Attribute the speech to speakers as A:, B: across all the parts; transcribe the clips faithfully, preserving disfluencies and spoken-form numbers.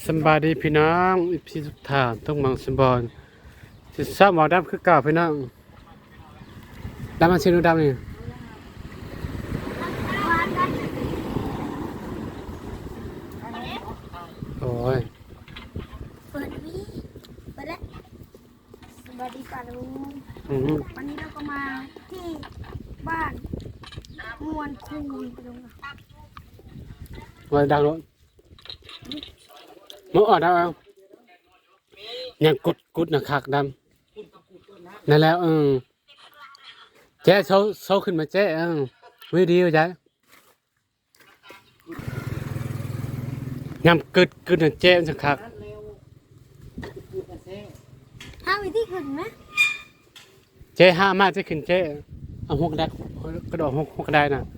A: สบายดีพี่น้องอีพีสุดท้ายต้องมังสมบอลสิทราบหมอดำคือเก่าพี่น้องดำมันชื่อดำนี่โอ้ย
B: เปิดวิเปิดแล้วสวัสดีค่ะลุงวันนี้เราก็มาที่บ้านมวนคูนไปลุงอ่ะ
A: วันดังรถมึงอ่อนได้เอายังกุดกุดนะคักดำนั่นแล้วเออเจ๊โซโซขึ้นมาเจ๊เออวิดีโอจ้ะยำกึดกึดนะเจ๊จะคัก
B: ห้าวิธีขึ้นไหม
A: เจ๊ห้ามากจะขึ้นเจ๊เอาหกได้กระโดดหกหกได้น่ะ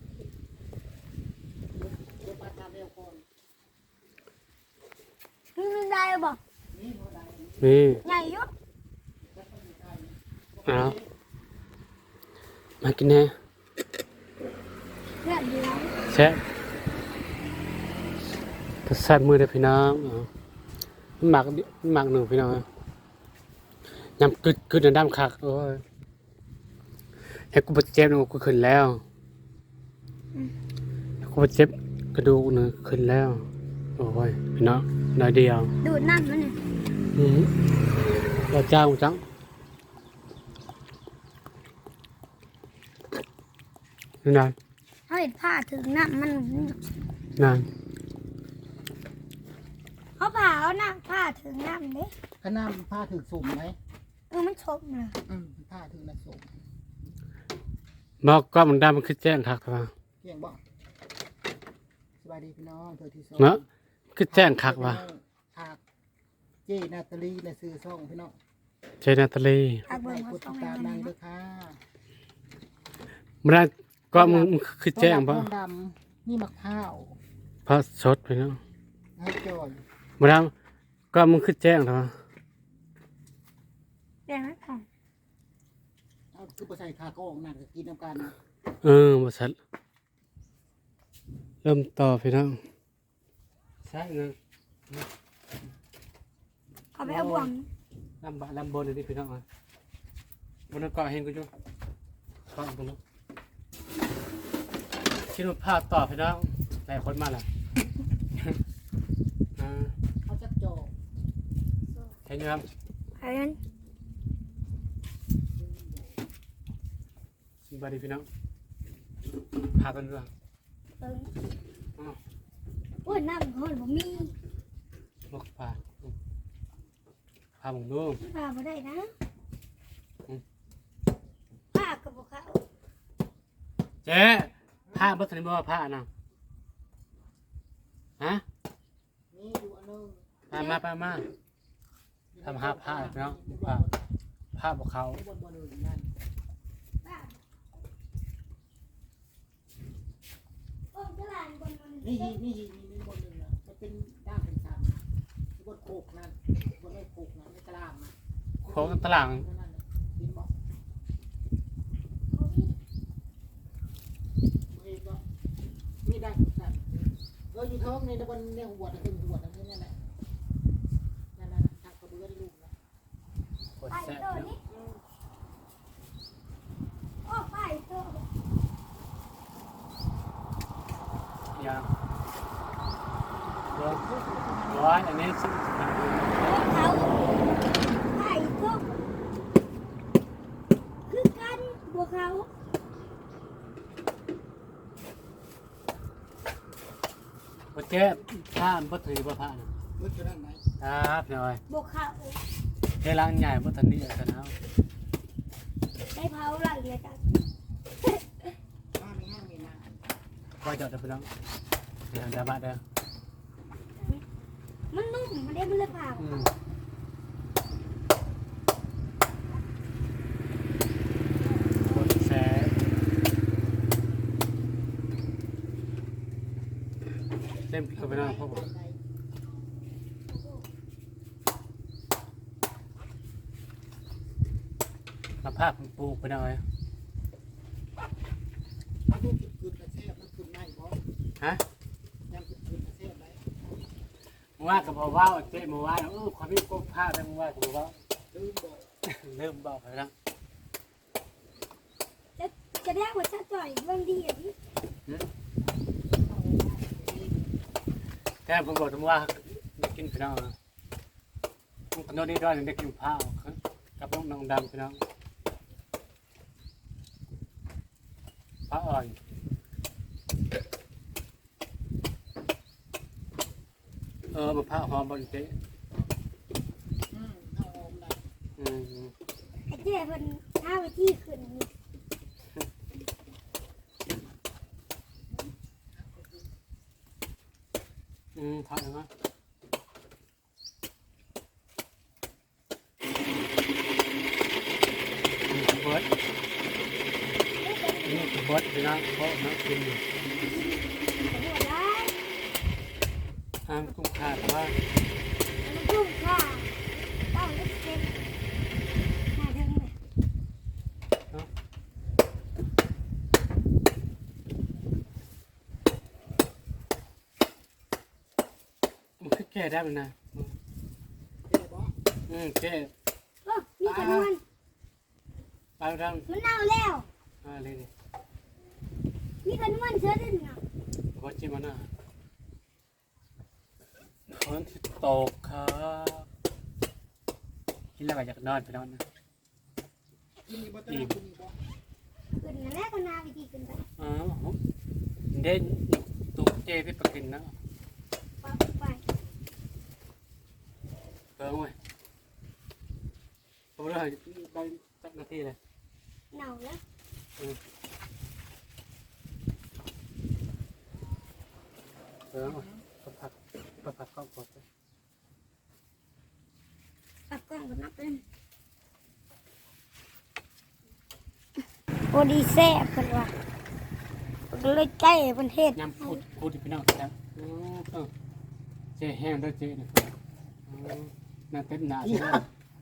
B: ขึ้นได้บอก
A: นี่
B: ใหญ่ยุ
A: เอามากินแน่
B: เลือดเดียว
A: แซ่บกระสับมือเด้อพี่น้องหมักหมักหนึ่งพี่น้องยำกึดกึดน้ำคักโอ้ยให้กูบาดเจ็บหนูกูขึ้นแล้วกูบาดเจ็บกระดูกหนึ่งขึ้นแล้วโอ้ยพี่น้องน้อยเดียว
B: ดูดน้ำมันเนี่ย
A: อืมเราเจ้าจังนี่นาย
B: เขาเห็นผ้าถึงน้ำมัน
A: นาย
B: เขาผ่าเอาน้ำผ้าถึงน้ำเด้
C: ก็น้ำผ้าถึงสุ่มไหม
B: เออมันชกเลย
C: อืมผ้าถึงน้ำสุ่ม
A: บอกก็มันได้มันคือแจ้งคักท่า
C: เกี่ยงบอกสบายดีพี่น้องเธอที่สอง
A: เนาะคือแจ้งคักว่ะ
C: คักเจนาตาลีในซื้อซ่องพี่น้อง
A: เจนาตาลี
B: ทักเบอร์
C: กดติดตามนางด้วยค่ะ
A: มันได้ก็มึงคือแจ้งป่ะ
C: ดำนี่มะพร้าว
A: พระสดไปเนาะ
C: ให้จอย
A: มันได้ก็มึงคือแจ้งท่า
B: แจ้งไหมค่ะ
C: เอาคือประชัยคาโก้นั่นก็กินน้ำกัน
A: เออบริษัทเริ่มต่อพี่น้องใช่เนาะ
B: เขาไปเอาบ่วง
A: ลำบะลำบนเลยที่พี่น้องอ่ะบนเกาะเห็นกูจุ๊บเกาะตรงนู้นคิดว่าพลาดต่อพี่น้องหลายคนมาแล้ว
C: เขาจัดโจ
A: เห็นไหมครับ
B: เห็น
A: สวัสดีพี่น้องพากันด้วย
B: โอ้ยน้ำหอยผมมี
A: ลูกพาพาผมดู
B: พาไปได้นะพากับพวกเขา
A: เจ๊ผ้าบัตรนี้บอกว่าผ้านะฮะมามาไปมาทำหาผ้าเนาะผ้าผ้าพวกเขา
C: นี่นี่นี่นี่บนหนึ่งนะมันเป็นด้ามเป็นสามบนโคกนั่นบนไม่โคกนั่นไม่กระลามนะ
A: โค้งตลาด
C: มีได้สั่นเราอยู่ท้องในตะวันในหัวตะตึงหัวตะนี่นั่นแหละนั่นนั่นทักกระเบื้องลูกนะ
A: ไปตัวนี้
B: โอ้ไปตัว
A: ยังร้อยอันนี้สิ
B: เขาไปตัวคือกันบัวเขา
A: บัดเจ็บผ้าบัดถือบัดผ้านะ
C: บัดจะได้ไหม
A: ครับหน่อย
B: บัวเขา
A: เฮลังใหญ่บัดทันนี้กันแล้ว
B: ได้เผาหลังเลยกัน
C: บ้านไม่ห้างไม่นาน
A: ก็จอดไปแล้วเดี๋ยวจะบ้าเด้อ
B: มันนุ่มมันได้มันเลยผ่า
A: แซ่เต็มเข้าไปแล้วพ่อบอกมาภาพปลูกไปหน่อยฮะว่ากับพ่อว่าเจ๊มาว่าเออความมีก็พลาดแล้วมึงว่ากับพ่อว่า
C: ลืมบอก
A: เริ่มบอกไปแล้ว
B: จะจะได้ว่าจะจ่อยเบิ่งดีอ่ะพี่
A: แต่ผมบอกถึงว่าได้กินพี่น้องมันขนมนี่ด้วยได้กินข้าวกับน้องน้องดำพี่น้องข้าวอ่อนเออมะพร้าวหอมบนเจ๊
C: อืมเอาออกได้
A: อืม
B: ไอ้เจ้เพิ่นหาวิธีขึ้นนี่
A: อืมทอดนะเบิร์ดนี่เบิร์ดพี่น้องเพราะน้ำกินอยู่
B: หัวได้
A: ห้ามกุ้งขาดว่า
B: มันกุ้งค่ะต้องได้เป็นหาเทิงเลย
A: มันคือแก้ได้มันนะ
C: เจ๊บอก
A: อืมแก้
B: โอ้มีกระนวล
A: ไปทาง
B: มันเน่าแล้ว
A: อ่าเลยดิ
B: มีกระนวลเชื้อด้วยเนาะ
A: พอจิ้มมันนะคนที่ตกครับกินแล้วก็อยากนอนไปนอนนะ
C: กินนี่บ่ต้องกินนี่บ่
B: ขึ้นนั่นแหละก็นาวิธีขึ้นไป
A: อ๋อเด่นตุ๊กเจที่ประกินนะ
B: ปั๊บไป
A: เปิงไว้ผมเลยได้สักนาทีเลย
B: เน่าแล้ว
A: เปิงไว้ประพักประพักเข้ากด
B: ปับกล้องก็นับเป็นโอดีแซ่บเพิ่นว่าก็เลยใกล้เพิ่นเฮ็ด
A: ยำพูดพูดที่พี่น้องครับอือเออเจแห้งด้วยเจนะอือน่าเต้นหนาใช่ไหม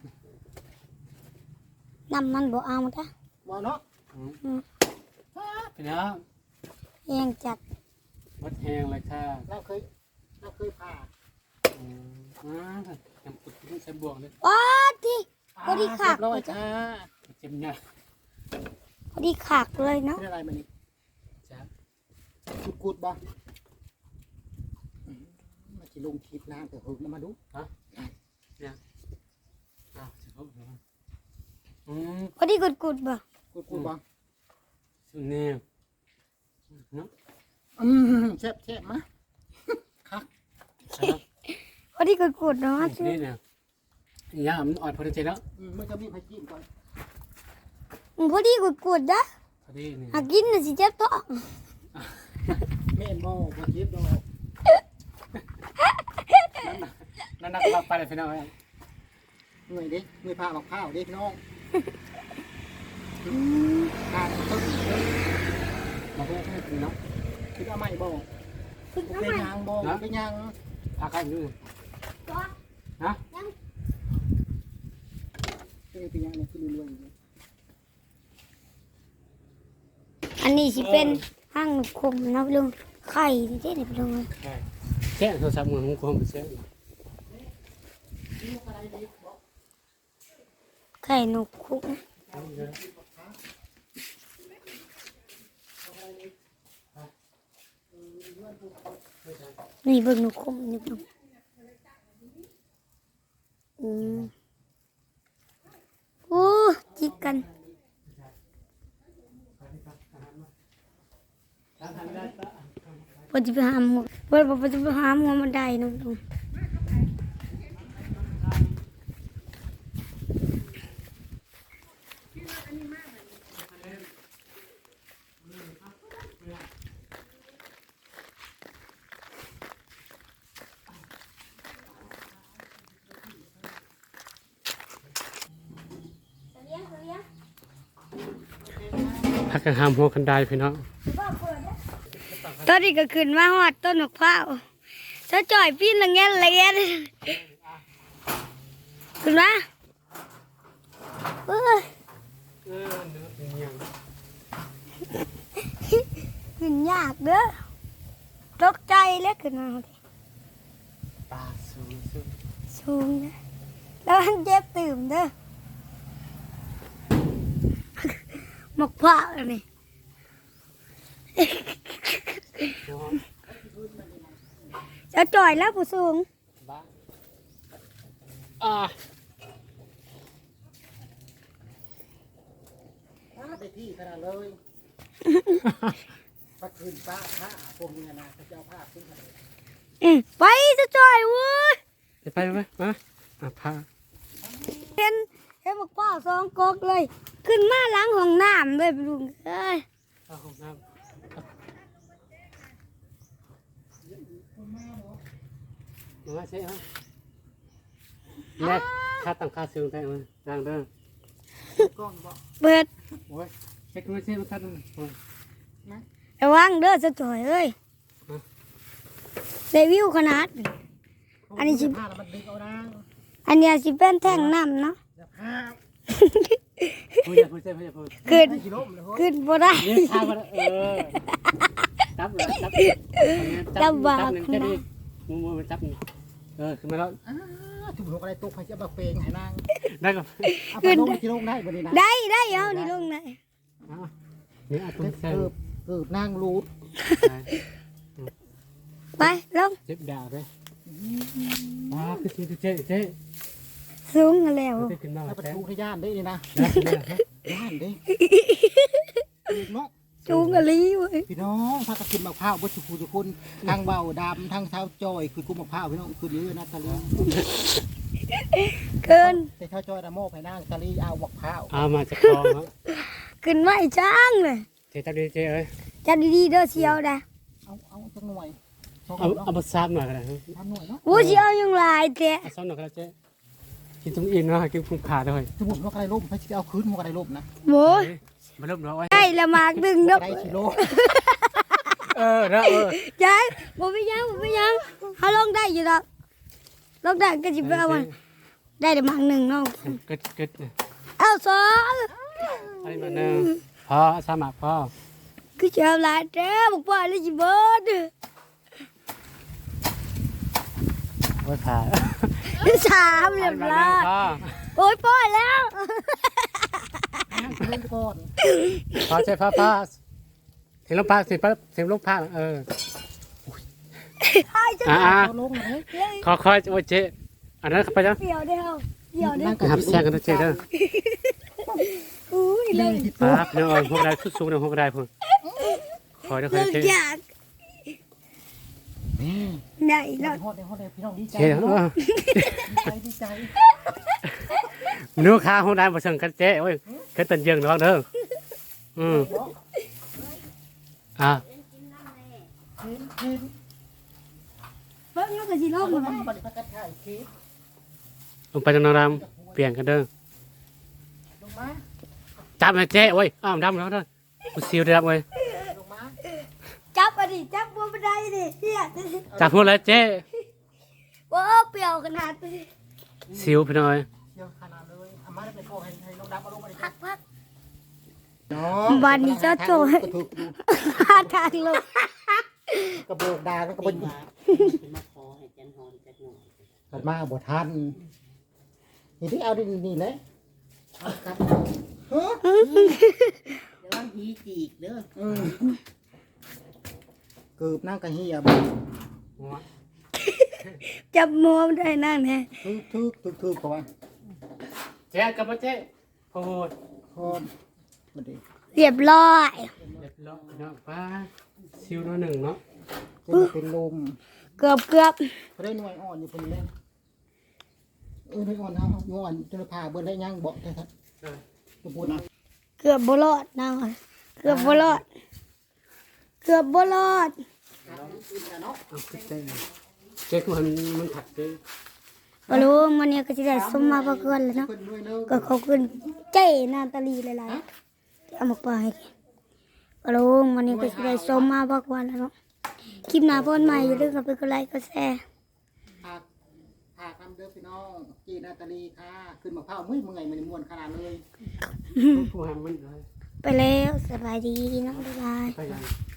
B: น้ำมันบ่เอาจ้ะ
C: บ่เนาะ
A: อืมพี่น้อง
B: แห้งจัด
A: วัดแห้งเลยค่ะ
C: เราเคยเราเคยผ่า
A: อืมอ่ายำพูดที่ใช้บวงเลย
B: ว้าที่พอดีขาก
C: เรียบร้อยจ้า
A: เจ็บเนี่ย
B: พอดีขากเลยเนาะ
C: เป็นอะไรมันนี่
A: จ้า
C: กุดกุดบ่อืมมาสิลงคลิปนานแต่หึงมาดู
A: อ้าวจะพูดเหรออืม
B: พอดีกุดๆบ่
C: กุดกุดบ่
A: สุดเนี่ยเนาะ
C: อืมแซ่บแซ่บมาคัก
A: ครับ
B: พอดีกุดๆเนาะ
A: นี่เนี่ยยามันอ่อนพอดีเจแล้ว
C: อืมมันจะมีไผจิ้มก่อน
B: อืมพอดีกุดๆนะ
A: พอดีนี่
B: หากินน่ะสิเจ็บท้อง
C: แม่นบ่บ่เจ็บดอก
A: นั่นนักว่าไปเลยพี่น้อง
C: เหนื่อยเด้เหนื่อยผ่าบักข้าวเด้พี่น้องอืมผ่าตึ้งเด้อ
A: มาเพื่อนให้กินเนาะ
C: คิดว่าไม่บ่
B: ฝึก
C: เป็
B: น้ำ
C: น
B: มัน
C: ยางบ่เป็นยาง
A: พาใครดู
B: ตัว
A: ฮะ
B: ยัง
C: เป็นยางเนี่ยคือรวยๆอยู่
B: อันนี้สิเป็นห้างคมนะพี่ลุงไข่ที่เด็ดพี่ลุงเลย
A: ใช่แค่โทรศัพท์มือของผมไปเช็ค
B: ไข่นกคุกนะนี่เบิ่งนกคุกนี่พี่ลุงอืมโอ้จิกกันพอจะไปหาหมดพอพอจะไปหาหมดมันได้นะพี่ลุง
A: พักกันหามหัวกันได้พี่น้อง
B: ตอนนี้ก็ขึ้นมาหอดต้นมะพร้าวถ้าจ่อยพี่ละเงี้ยละเงี้ยขึ้นมาเอ้ย
A: เออเนื้อเป็นยัง
B: ขึ้นยากเด้อตกใจแล้วขึ้นมา
A: ปลาสสูงสูง
B: สูงนะแล้วมันเจ็บตื่มเด้อหมกผ้าอันนี้ จะจ่อยแล้วผู้สูง
A: บ้าอ่า
C: ป้าไปที่ขนาดเลยปักคืนป้าผ้าพวกนี้นะเขาจะเอาผ้าขึ้นมาเลย
B: อืมไปจะจ่อยเว้ย
A: ไปไปไปมาอ่ะพา
B: เห็นเห็นหมกผ้าสองกอกเลย ขึ้นมาล้างห้องน้ำเลยลุงเอ้ย
A: เข้าห้องน้ำมาเช่ไหมแม่ค่าตั้งค่าซื้อได้ไหมดังเด้อ
C: ก้อนบอก
B: เปิด
A: โอ้ยเช็คมาเช่มาตั้งโอ้ย
B: ระวังเด้อจะจ่อยเอ้ยได้วิวขนาดนี้ อันนี้สิ
C: ผ้าแล้วมันดึงเอานะ
B: อันเนี้ยสิเป็นแท่งน้ำเนาะ
C: อย่าผ้า
A: พูดอย่าพูดเช่พูดอย่าพูด
B: ขึ้น
C: ไม่กี่ล้มเลยเฮ้ย
B: ขึ้นบ่ได้
A: นี่ข้าวมาเออจับเลยจับจับจับหนึ่งแค่นี้มือมือมันจับเออขึ้นมาแล้ว
C: อ้าถุงนกอะไรตกใครจะบักเปงให้นาง
A: ได้ก็
C: เอาไปลงกี่ลงได้บ่นี่นะ
B: ได้ได้เอานี่ลงไหน
A: นี่อาตุ้มเส้น
C: เกือบเกือบนางรูด
B: ไปลง
A: เจ็บดาวเลยว้าคือคือเจ๊เจ๊
B: สูงกันแล้ว
A: เจ๊ขึ้นมา
C: ถ้าประ
A: แล้
C: ตูที่ย่านได้นี่นะ
A: ว
C: ย่านได้เนาะ
B: สูงกันลีเว้ย
C: พี่น้องพากันขึ้นมะพร้าวบดสุขุสุคนทางเบาดำทางเท้าจอยคือกุ้มมะพร้าวพี่น้องคือเยอะนะตะลี
B: เกิน
C: แต่เท้าจอยนะโม่ไปนั่งตะลีเอามะพร้าว
A: เอามาจากคลองครับ
B: ขึ้นไม่จ้างเลย
A: เจ๊จับดีเจ๊เอ้ย
B: จัดดีๆเด้อเชียวนะ
C: เอาเอาจังหน่วยสอง
A: เอา
C: หน่วย
A: เอามาซับหน่อยกันนะ
C: ทำหน่วยเนาะ
B: วู้เชียวยังหลายแต่
A: เอาซับหน่อยกันเจ๊กินตรงอินเนาะกินคุ้มขาด้วย
C: สมุนว่าอะไรล่มพระจะเอาคืนว่าอะไรล่มนะ
B: โว้ย
A: มาเริ่มเนาะไว้
B: ได้ละหมากดึงนก
C: ได้ชิโล
A: เออนะเออ
B: ใจบ่ไปยังบ่ไปยังเขาลงได้อยู่ดอกลงได้ก็จิไปเอามันได้ละหมากหนึ่งเนาะ
A: กึดกึด
B: เอาสอง
A: ไอ้มาหนึ่งพอสมัครพอ
B: คือเชียวหลายแต่บอกว่าเลยจิเบิด
A: โอ้ยขา
B: สามเรียบร้อย
A: พอ
B: โอ้ยปล่อยแล้ว
C: เล่นก่อน
A: พอเจ๊พอพอเสียงลมพัดเสียงปั๊บเสียงลมพัดเออ
B: ไอ้จะ
A: อ่า
C: เอาลงเลย
A: ขอคอยโอ้ยเจ๊อันนั้นไปจ้ะ
B: เปี่ยวเดียวเปี่ยวเดียว
A: หับแซงกันนะเจ๊เด้อ
B: อุ้ย
C: เล
B: เลิ
C: ย
B: ก
C: ที่
A: ป้าพี่น้องเอ้ยพวกได้สูงๆนะพวกได้พุ่นคอยเด้อคอ
B: เลิ
A: ย
B: ก
A: เจ๊
B: อยาก
C: นี่
B: ได้แล้ว
C: ฮอดเลยฮอดเลยพี่น้องดีใจ
A: เจ๊เออ
C: ดีใจดีใจ
A: นึกข้าห้องได้บ่เชิงกันเจ๊โอ้ยเคยตันเยิงน้องเด้ออืมอ่ะ
C: กินกิน
B: เบิ่งแล้วก็สิล
C: เอา
B: ง
C: ล
B: มั
C: ง
B: น
C: มาบัดนี้พักกันถ่ายคลิป
A: ลงไปทางนรำเปลี่ยนกันเด้อ
C: ลงมา
A: จับนะเจ๊โอ้ยอ้าวดำแล้วเด้อกูซิวได้รับเว้ย
C: ลงมา
B: จับอันนี้จับบัวบันไดดิเฮีย
A: จับพูดแล้วเจ๊
B: โอ้เปรี้ยวขนาดนี้
A: ซิวพี่น้อย
C: เดี๋ยวขนาดเลยอามาได้ไปโกให้ให้น้องดำมาลงมาเลย
B: พักพัก
C: น้อง
B: วันนี้เจ้าโจ้
C: กระถูกดู
B: หาทางลง
C: กระโบกดาแล้วก็บน
D: มาขอให้จันหอมจักหน่อย
C: กัดมาบ่ทันนี่ที่เอาดินี่เลยเอาครับเฮ้อ
D: เดี๋ยวว่าผีจีกเด้อ
C: อืมเกือบนั่งกะเฮียบ
B: จับมัวมันได้นั่งแน่
C: ทึกทึกทึกทึกก่อน
A: เจ๊กับเจ๊พูด
C: คอนมาดิ
B: เรียบร้อย
A: เรียบร้อยเนาะป้าซิวน้อยหนึ่งเนาะ
C: จะมาเป็นลม
B: เกือบเกือบ
C: เขาได้หน่วยอ่อนอยู่คนเล่นเออหน่วยอ่อนเอาหน่วยอ่อนจะพาเบิ้ลได้ยังบอกได้ครับจะพูดนะ
B: เกือบบ่รอดนะเกือบบ่รอดเกือบบ่รอด
A: เอาเจ๊เจ๊คือมันมันถักเจ๊
B: บ่รู้มันเนี่ยก็สิได้สมมาประกวดแล้วเนาะ
C: คนด้วยเนอะ
B: ก็เขาขึ้นเจ้นาตาลีหลายๆเอามาปล่อยให้กินบ่รู้มันเนี่ยก็สิได้สมมาประกวดแล้วเนาะคลิปหน้าพ่นใหม่อย่าลืมกดไปกดไลค์กดแชร์
C: พาพาคำเด้อพี่น้องจีนาตาลีค่ะขึ้นมาเผามือเมื่อยมันม้วนขนาดเลย
A: ผู้หามมันเลย
B: ไปแล้วสบายดีเนาะบ๊ายบาย
A: ไปยัง